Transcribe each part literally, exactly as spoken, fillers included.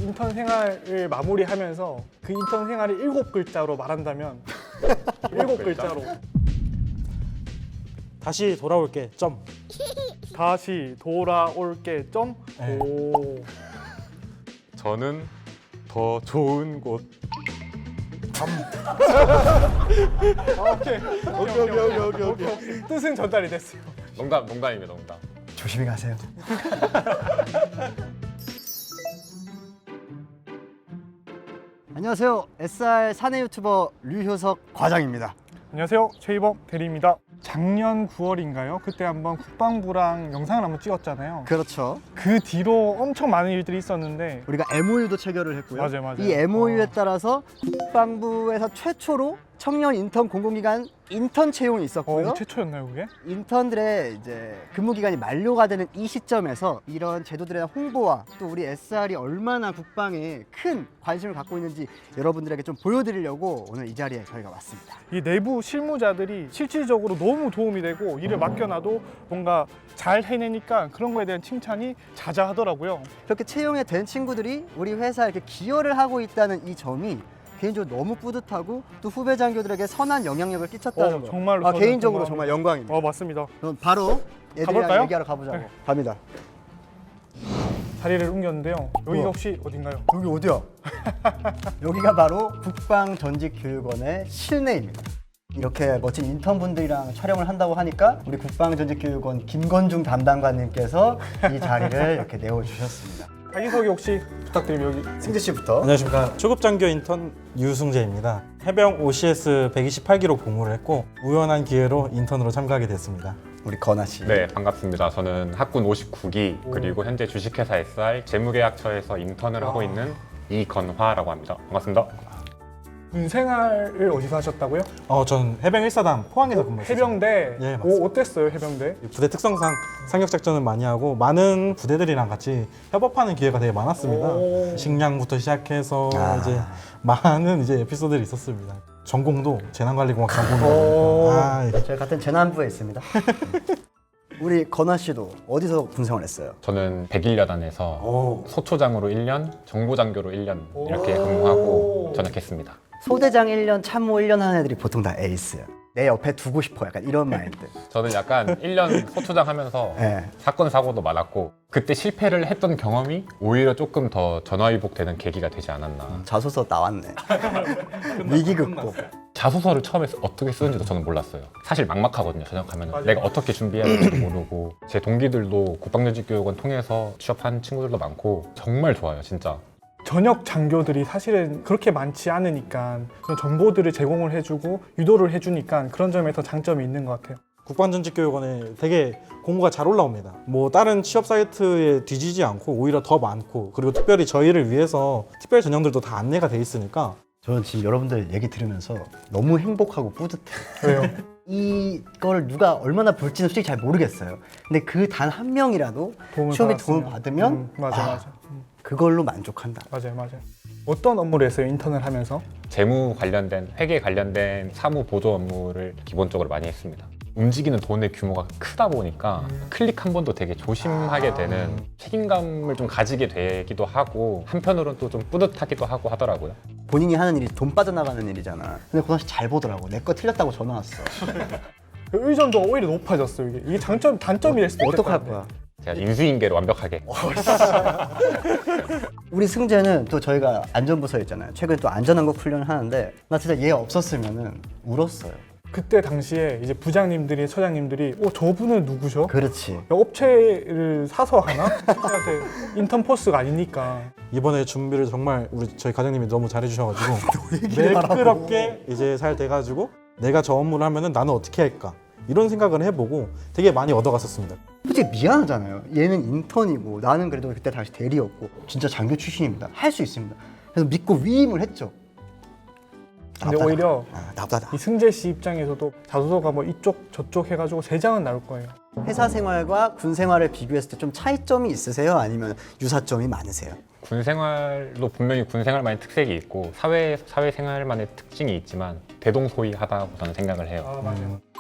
인턴 생활을 마무리하면서 그 인턴 생활을 일곱 글자로 말한다면 일곱 글자로 다시 돌아올게. 점. 다시 돌아올게. 점. 네. 오. 저는 더 좋은 곳. 아, 오케이. 오케이 오케이 오케이 오케이 오케이. 뜻은 전달이 됐어요. 농담, 농담입니다, 농담. 조심히 가세요. 안녕하세요. 에스알 사내 유튜버 류효석 과장입니다. 안녕하세요. 최이범 대리입니다. 작년 구월인가요? 그때 한번 국방부랑 영상을 한번 찍었잖아요. 그렇죠. 그 뒤로 엄청 많은 일들이 있었는데 우리가 엠오유도 체결을 했고요. 맞아요, 맞아요. 이 엠오유에 어. 따라서 국방부에서 최초로 청년 인턴 공공기관 인턴 채용이 있었고요. 어, 최초였나요 그게? 인턴들의 이제 근무 기간이 만료가 되는 이 시점에서 이런 제도들에 대한 홍보와 또 우리 에스알이 얼마나 국방에 큰 관심을 갖고 있는지 여러분들에게 좀 보여드리려고 오늘 이 자리에 저희가 왔습니다. 이 내부 실무자들이 실질적으로 너무 도움이 되고 일을 맡겨놔도 뭔가 잘 해내니까 그런 거에 대한 칭찬이 자자하더라고요. 그렇게 채용이 된 친구들이 우리 회사에 이렇게 기여를 하고 있다는 이 점이 개인적으로 너무 뿌듯하고 또 후배 장교들에게 선한 영향력을 끼쳤다는 어, 거. 정말로 아, 저는 개인적으로 정말- 정말 영광입니다. 어 맞습니다. 그럼 바로 애들이랑 가볼까요? 얘기하러 가보자고. 네. 갑니다. 자리를 옮겼는데요. 여기가 우와. 혹시 어딘가요? 여기 어디야? 여기가 바로 국방전직교육원의 실내입니다. 이렇게 멋진 인턴분들이랑 촬영을 한다고 하니까 우리 국방전직교육원 김건중 담당관님께서 이 자리를 이렇게 내어주셨습니다. 자기소개 혹시 부탁드리면 여기 승재 씨부터. 안녕하십니까. 초급장교 인턴 유승재입니다. 해병 오씨에스 백이십팔 기로 복무를 했고 우연한 기회로 인턴으로 참가하게 됐습니다. 우리 건아 씨. 네, 반갑습니다. 저는 학군 오십구 기, 그리고 현재 주식회사 에스알 재무계약처에서 인턴을 하고 있는 이건화라고 합니다. 반갑습니다. 군 생활을 어디서 하셨다고요? 어, 전 해병 일 사단 포항에서 근무했어요. 해병대. 예, 맞습니다. 오, 어땠어요 해병대? 부대 특성상 상륙 작전을 많이 하고 많은 부대들이랑 같이 협업하는 기회가 되게 많았습니다. 오. 식량부터 시작해서 아. 이제 많은 이제 에피소드들이 있었습니다. 전공도 재난관리공학 오. 전공이고 아, 예. 저희 같은 재난부에 있습니다. 우리 건아 씨도 어디서 군생활 했어요? 저는 백일 여단에서 오. 소초장으로 일 년, 정보장교로 일 년 이렇게 오. 근무하고 전역했습니다. 소대장 일 년, 참모 일 년 하는 애들이 보통 다 에이스야. 내 옆에 두고 싶어. 약간 이런 마인드. 저는 약간 일 년 소초장 하면서 네. 사건 사고도 많았고 그때 실패를 했던 경험이 오히려 조금 더 전화위복되는 계기가 되지 않았나. 자소서 나왔네. 위기 극복. 자소서를 처음에 쓰- 어떻게 쓰는지도 저는 몰랐어요. 사실 막막하거든요. 전역하면 맞아요. 내가 어떻게 준비해야 될지도 모르고 제 동기들도 국방전직교육원 통해서 취업한 친구들도 많고 정말 좋아요, 진짜. 전역 장교들이 사실은 그렇게 많지 않으니까 그런 정보들을 제공을 해주고 유도를 해주니까 그런 점에서 장점이 있는 것 같아요. 국방전직교육원에 되게 공고가 잘 올라옵니다. 뭐 다른 취업 사이트에 뒤지지 않고 오히려 더 많고 그리고 특별히 저희를 위해서 특별 전형들도 다 안내가 돼 있으니까 저는 지금 여러분들 얘기 들으면서 너무 행복하고 뿌듯해. 왜요? 이걸 누가 얼마나 볼지는 솔직히 잘 모르겠어요. 근데 그 단 한 명이라도 도움을 시험에 받았으면. 도움을 받으면 음, 맞아 아, 맞아. 음, 그걸로 만족한다. 맞아요 맞아요. 어떤 업무를 했어요 인턴을 하면서? 재무 관련된, 회계 관련된 사무 보조 업무를 기본적으로 많이 했습니다. 움직이는 돈의 규모가 크다 보니까 클릭 한 번도 되게 조심하게 되는 책임감을 좀 가지게 되기도 하고 한편으로는 또 좀 뿌듯하기도 하고 하더라고요. 본인이 하는 일이 돈 빠져나가는 일이잖아. 근데 고나 씨 잘 보더라고. 내 거 틀렸다고 전화 왔어. 그 의존도 오히려 높아졌어요 이게. 이게 장점 단점이랄 수도 있을 것 어떡할 같아요. 거야? 제가 인수인계를 완벽하게 우리 승재는 또 저희가 안전부서에 있잖아요. 최근에 또 안전한거 훈련을 하는데 나 진짜 얘 없었으면은 울었어요. 그때 당시에 이제 부장님들이 처장님들이 어 저분은 누구셔? 그렇지. 업체를 사서 하나? 친구한테 인턴 포스가 아니니까. 이번에 준비를 정말 우리 저희 과장님이 너무 잘해주셔가지고 얘기를 하라고. 매끄럽게 이제 잘 돼가지고 내가 저 업무를 하면은 나는 어떻게 할까 이런 생각을 해보고 되게 많이 얻어갔었습니다. 솔직히 미안하잖아요. 얘는 인턴이고 나는 그래도 그때 당시 대리였고 진짜 장교 출신입니다. 할 수 있습니다. 그래서 믿고 위임을 했죠. 근데 나쁘다. 오히려 아, 나쁘다. 이 승재 씨 입장에서도 자소서가 뭐 이쪽 저쪽 해가지고 세 장은 나올 거예요. 회사 생활과 군 생활을 비교했을 때 좀 차이점이 있으세요? 아니면 유사점이 많으세요? 군 생활도 분명히 군 생활만의 특색이 있고 사회 사회 생활만의 특징이 있지만 대동소이하다고 저는 생각을 해요. 아 맞아요.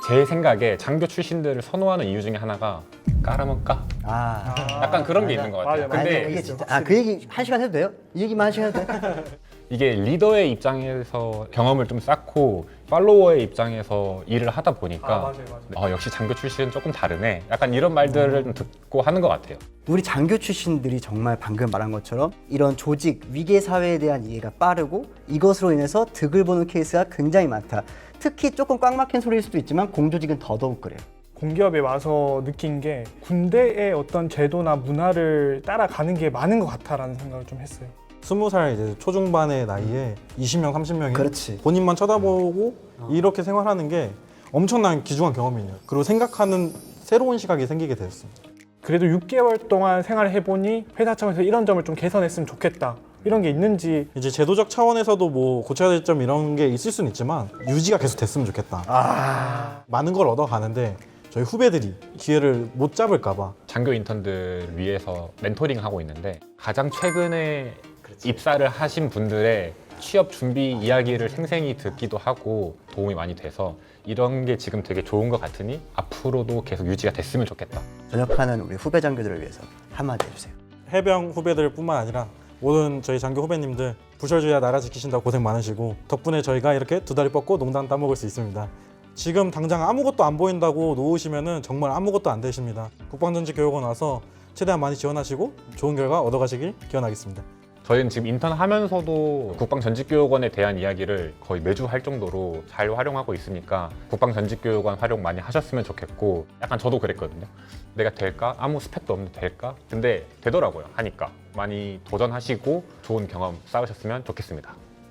제 생각에 장교 출신들을 선호하는 이유 중에 하나가 까라면 까? 아, 약간 그런 게 있는 것 같아요. 맞아요. 근데 아니, 이게 진짜 아 그 얘기 한 시간 해도 돼요? 이 얘기만 한 시간 해도 돼? 이게 리더의 입장에서 경험을 좀 쌓고 팔로워의 입장에서 일을 하다 보니까 아, 맞아요, 맞아요. 어, 역시 장교 출신은 조금 다르네. 약간 이런 말들을 좀 듣고 하는 것 같아요. 우리 장교 출신들이 정말 방금 말한 것처럼 이런 조직 위계 사회에 대한 이해가 빠르고 이것으로 인해서 득을 보는 케이스가 굉장히 많다. 특히 조금 꽉 막힌 소리일 수도 있지만 공조직은 더더욱 그래요. 공기업에 와서 느낀 게 군대의 어떤 제도나 문화를 따라가는 게 많은 것 같다라는 생각을 좀 했어요. 스무 살 이제 초중반의 나이에 이십 명, 삼십 명이 그렇지. 본인만 쳐다보고 이렇게 생활하는 게 엄청난 귀중한 경험이에요. 그리고 생각하는 새로운 시각이 생기게 됐습니다. 그래도 육 개월 동안 생활을 해보니 회사 차원에서 이런 점을 좀 개선했으면 좋겠다. 이런 게 있는지 이제 제도적 차원에서도 뭐 고쳐야 될 점 이런 게 있을 수는 있지만 유지가 계속 됐으면 좋겠다. 아, 많은 걸 얻어가는데 저희 후배들이 기회를 못 잡을까 봐 장교 인턴들 위해서 멘토링 하고 있는데 가장 최근에 입사를 하신 분들의 취업 준비 이야기를 생생히 듣기도 하고 도움이 많이 돼서 이런 게 지금 되게 좋은 것 같으니 앞으로도 계속 유지가 됐으면 좋겠다. 전역하는 우리 후배 장교들을 위해서 한마디 해주세요. 해병 후배들 뿐만 아니라 모든 저희 장교 후배님들 부설주야 나라 지키신다고 고생 많으시고 덕분에 저희가 이렇게 두 다리 뻗고 농단 따먹을 수 있습니다. 지금 당장 아무것도 안 보인다고 놓으시면은 정말 아무것도 안 되십니다. 국방전직교육원 와서 최대한 많이 지원하시고 좋은 결과 얻어가시길 기원하겠습니다. 저희는 지금 인턴 하면서도 국방전직교육원에 대한 이야기를 거의 매주 할 정도로 잘 활용하고 있으니까 국방전직교육원 활용 많이 하셨으면 좋겠고 약간 저도 그랬거든요. 내가 될까? 아무 스펙도 없는데 될까? 근데 되더라고요. 하니까 많이 도전하시고 좋은 경험 쌓으셨으면 좋겠습니다.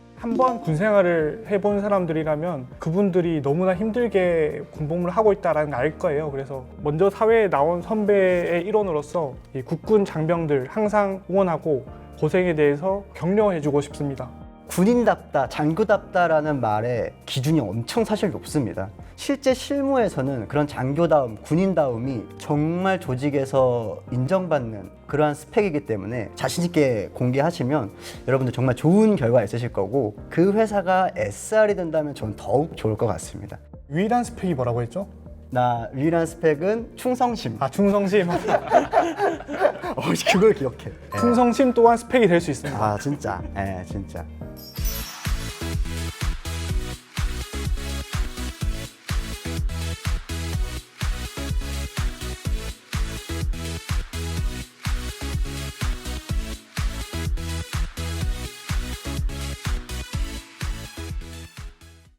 한번 군 생활을 해본 사람들이라면 그분들이 너무나 힘들게 군복무를 하고 있다는 걸 알 거예요. 그래서 먼저 사회에 나온 선배의 일원으로서 이 국군 장병들 항상 응원하고 고생에 대해서 격려해주고 싶습니다. 군인답다, 장교답다라는 말의 기준이 엄청 사실 높습니다. 실제 실무에서는 그런 장교다움, 군인다움이 정말 조직에서 인정받는 그러한 스펙이기 때문에 자신 있게 공개하시면 여러분들 정말 좋은 결과 있으실 거고 그 회사가 에스알이 된다면 저는 더욱 좋을 것 같습니다. 유일한 스펙이 뭐라고 했죠? 나 유일한 스펙은 충성심. 아, 충성심. 어, 그걸 기억해. 예. 충성심 또한 스펙이 될 수 있습니다. 아 진짜, 예, 진짜.